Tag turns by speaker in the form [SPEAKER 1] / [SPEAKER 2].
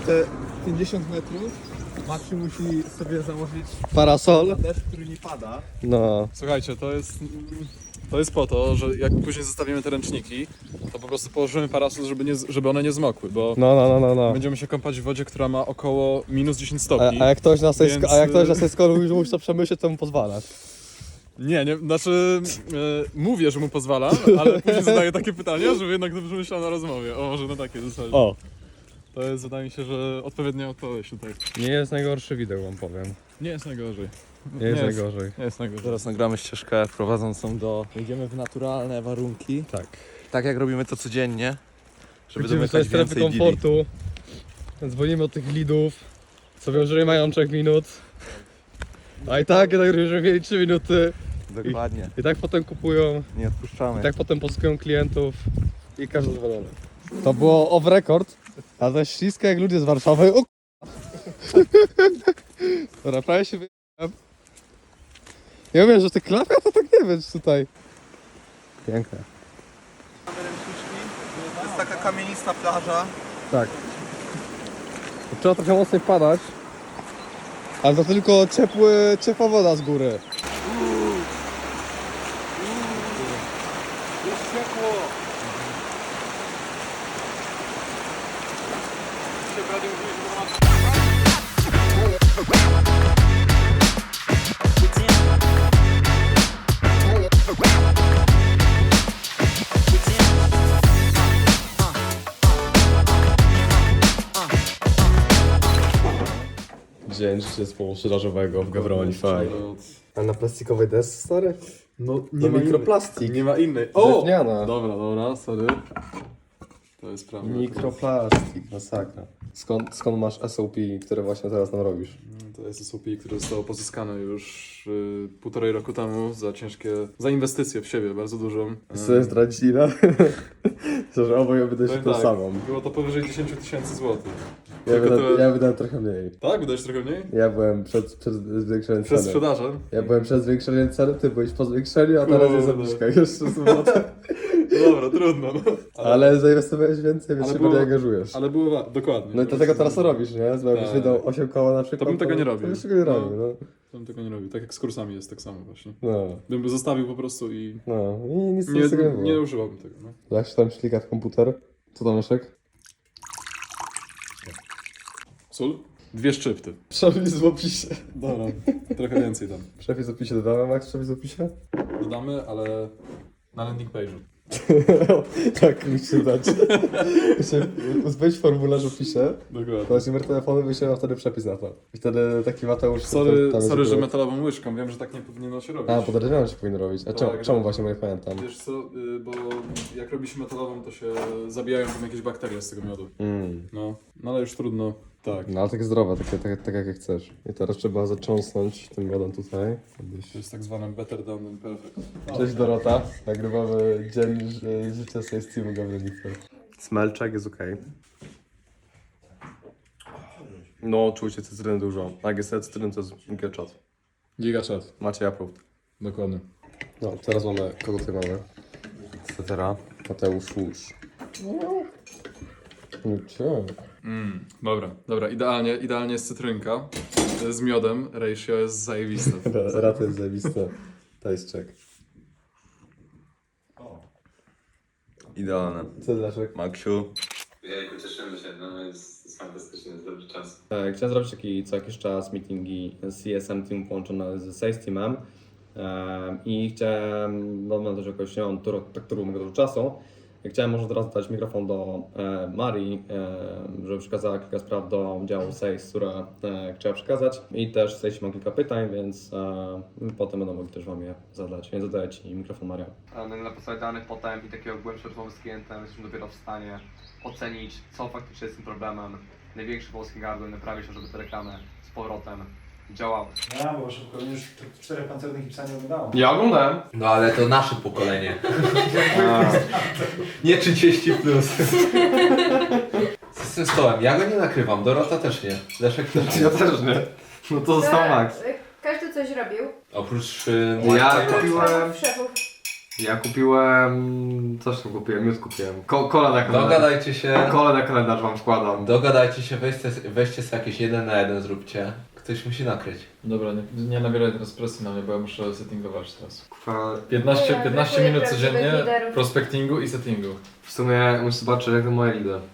[SPEAKER 1] te 50 metrów Maksiu musi sobie założyć
[SPEAKER 2] Parasol.
[SPEAKER 1] deszcz, który nie pada.
[SPEAKER 2] No.
[SPEAKER 3] Słuchajcie, to jest po to, że jak później zostawimy te ręczniki, to po prostu położymy parasol, żeby one nie zmokły, bo
[SPEAKER 2] No.
[SPEAKER 3] będziemy się kąpać w wodzie, która ma około minus 10 stopni.
[SPEAKER 2] A jak ktoś na tej
[SPEAKER 3] Więc,
[SPEAKER 2] a jak ktoś na tej skolu musi to przemyśleć, to mu pozwalasz.
[SPEAKER 3] Nie, znaczy mówię, że mu pozwalam, ale później zadaję takie pytania, żeby jednak dobrze myślał na rozmowie. O, może na takie zasadzie.
[SPEAKER 2] O.
[SPEAKER 3] To jest, wydaje mi się, że odpowiednia odpowiedź tutaj.
[SPEAKER 2] Nie jest najgorszy widok, wam powiem.
[SPEAKER 3] Nie jest najgorzej.
[SPEAKER 2] Nie jest najgorzej.
[SPEAKER 3] Nie jest najgorzej.
[SPEAKER 1] Teraz nagramy ścieżkę prowadzącą do... Idziemy w naturalne warunki.
[SPEAKER 2] Tak.
[SPEAKER 1] Tak jak robimy to codziennie. Żeby
[SPEAKER 2] Wrócimy
[SPEAKER 1] domykać
[SPEAKER 2] do strefy
[SPEAKER 1] więcej
[SPEAKER 2] komfortu. Dzwonimy od tych lidów. Co wiem, że nie mają 3 minut. A i tak, że mieli 3 minuty.
[SPEAKER 1] Dokładnie.
[SPEAKER 2] I tak potem kupują.
[SPEAKER 1] Nie odpuszczamy.
[SPEAKER 2] I tak potem poszukują klientów. I każdy zadowolony. To było off record. A to jest śliska jak ludzie z Warszawy. O Dobra, prawie się wyjechałem. Ja wiem, że te klapy, to tak nie wiem, czy tutaj. Piękne.
[SPEAKER 1] To jest taka kamienista plaża.
[SPEAKER 2] Tak. To trzeba trochę mocniej padać. Ale to tylko ciepła woda z góry.
[SPEAKER 1] Jest ciepło.
[SPEAKER 2] Dzień zespołu sprzedażowego w Gawronify. A na plastikowej desce, stary?
[SPEAKER 3] No
[SPEAKER 2] To mikroplastik.
[SPEAKER 3] Nie ma innej.
[SPEAKER 2] Drewniana.
[SPEAKER 3] Dobra, sorry. To jest prawda.
[SPEAKER 2] Mikroplastik, masakra. Skąd masz SOP, które właśnie teraz nam robisz?
[SPEAKER 3] To jest SOP, które zostało pozyskane już 1,5 roku temu za inwestycję w siebie, bardzo dużą.
[SPEAKER 2] Chcesz zdradzić ile? Że oboje wydaje się
[SPEAKER 3] Powiem
[SPEAKER 2] tą
[SPEAKER 3] tak,
[SPEAKER 2] samą.
[SPEAKER 3] było to powyżej 10 000 złotych.
[SPEAKER 2] Ja wydałem trochę mniej.
[SPEAKER 3] Tak? Wydałeś trochę mniej?
[SPEAKER 2] Ja byłem przed zwiększeniem
[SPEAKER 3] Przed
[SPEAKER 2] ceny.
[SPEAKER 3] sprzedażem?
[SPEAKER 2] Ja byłem przed zwiększeniem ceny, ty byłeś po zwiększeniu, a teraz jest
[SPEAKER 3] Kurde.
[SPEAKER 2] obniżka. Jeszcze złote.
[SPEAKER 3] Dobra, trudno. No.
[SPEAKER 2] Ale zainwestowałeś więcej, więc
[SPEAKER 3] Ale
[SPEAKER 2] się
[SPEAKER 3] było-
[SPEAKER 2] bardziej angażujesz.
[SPEAKER 3] Ale było dokładnie.
[SPEAKER 2] No i dlatego teraz to robisz, nie? Bo jakbyś
[SPEAKER 3] Tak.
[SPEAKER 2] wydał 8 koła na przykład,
[SPEAKER 3] To bym tego nie robił.
[SPEAKER 2] To byś tego nie robił, no.
[SPEAKER 3] To bym tego nie robił. Tak jak z kursami jest tak samo właśnie.
[SPEAKER 2] No,
[SPEAKER 3] Bym zostawił po prostu i
[SPEAKER 2] i nic z tego nie było.
[SPEAKER 3] nie używałbym tego. No.
[SPEAKER 2] Jak się tam ślika w komputer? Co tam, Leszek?
[SPEAKER 3] Sól? 2 szczypty.
[SPEAKER 2] Przepis w opisie.
[SPEAKER 3] Dobra, trochę więcej tam.
[SPEAKER 2] Przepis w opisie dodamy, Max? Przepis w opisie?
[SPEAKER 3] Dodamy, ale na landing page'u.
[SPEAKER 2] Tak, musicie dać. Wejdź formularz w opisie,
[SPEAKER 3] Dokładnie.
[SPEAKER 2] podać numer telefonu, wyślemy wtedy przepis na to. I wtedy taki Mateusz...
[SPEAKER 3] Sorry,
[SPEAKER 2] tam
[SPEAKER 3] że
[SPEAKER 2] jest-
[SPEAKER 3] metalową łyżką. Wiem, że tak nie powinno się robić.
[SPEAKER 2] A, podejrzewam, że się powinno robić. A
[SPEAKER 3] Tak,
[SPEAKER 2] czemu właśnie, bo nie pamiętam?
[SPEAKER 3] Wiesz co, bo jak robi się metalową, to się zabijają tam jakieś bakterie z tego miodu. No ale już trudno. Tak.
[SPEAKER 2] No ale takie zdrowe, tak jak chcesz. I teraz trzeba zacząsnąć tym miodem tutaj.
[SPEAKER 3] To jest tak zwane better done than perfect.
[SPEAKER 2] Cześć Dorota, nagrywamy dzień życia z Steamu Gawronify. Smelczek jest okej. No, czujcie cytryny dużo. Jak jest cytryny, to jest geczat.
[SPEAKER 3] Gigachat.
[SPEAKER 2] Macie approved.
[SPEAKER 3] Dokładnie.
[SPEAKER 2] No, teraz mamy, kogo tutaj mamy?
[SPEAKER 1] Etc.
[SPEAKER 2] Mateusz Łusz.
[SPEAKER 3] Dobra, idealnie jest cytrynka z miodem, ratio jest zajebiste.
[SPEAKER 2] Rata jest zajebiste. To jest check.
[SPEAKER 1] Idealne.
[SPEAKER 2] Co Leszek?
[SPEAKER 1] Maksiu.
[SPEAKER 4] Jejku, cieszymy się, no jest fantastycznie, jest dobry czas.
[SPEAKER 2] Chciałem zrobić taki co jakiś czas meetingi z CSM Team połączone z Sales Teamem i chciałem, no mam też jakoś, nie mam tak dużo czasu, i chciałem może teraz dać mikrofon do Marii, żeby przekazała kilka spraw do działu Sales, które chciała przekazać i też w Sales mam kilka pytań, więc potem będą mogli też Wam je zadać, więc zadaję Ci mikrofon, Maria.
[SPEAKER 5] Na podstawie danych potem i takiego głębszej rozmowy z klientem jesteśmy dopiero w stanie ocenić, co faktycznie jest tym problemem. Największy polski gardło naprawi się, żeby te reklamy z powrotem działały.
[SPEAKER 6] Ja, bo szybko już 4 pancernych psa nie oglądałem.
[SPEAKER 2] Ja oglądałem.
[SPEAKER 4] No ale to nasze pokolenie. Nie 30 plus. Co z tym stołem? Ja go nie nakrywam, Dorota też nie. Leszek też nie.
[SPEAKER 2] Ja też nie. No to został Max.
[SPEAKER 7] Każdy coś robił.
[SPEAKER 4] Oprócz
[SPEAKER 2] Ja kupiłem...
[SPEAKER 7] Szefów.
[SPEAKER 5] Ja kupiłem... coś tam kupiłem, miód kupiłem. Kole na kalendarz.
[SPEAKER 4] Dogadajcie się.
[SPEAKER 5] Kole na kalendarz wam składam.
[SPEAKER 4] Dogadajcie się, weźcie sobie jakieś 1 na 1 zróbcie. Ktoś musi nakryć.
[SPEAKER 3] Dobra, nie nabieraj teraz presji na mnie, bo ja muszę settingować teraz.
[SPEAKER 5] Kurwa,
[SPEAKER 3] 15 minut
[SPEAKER 7] brakuje
[SPEAKER 3] codziennie
[SPEAKER 7] prawdziwych liderów.
[SPEAKER 3] prospectingu i settingu.
[SPEAKER 5] w sumie muszę zobaczyć jak to moje lidy.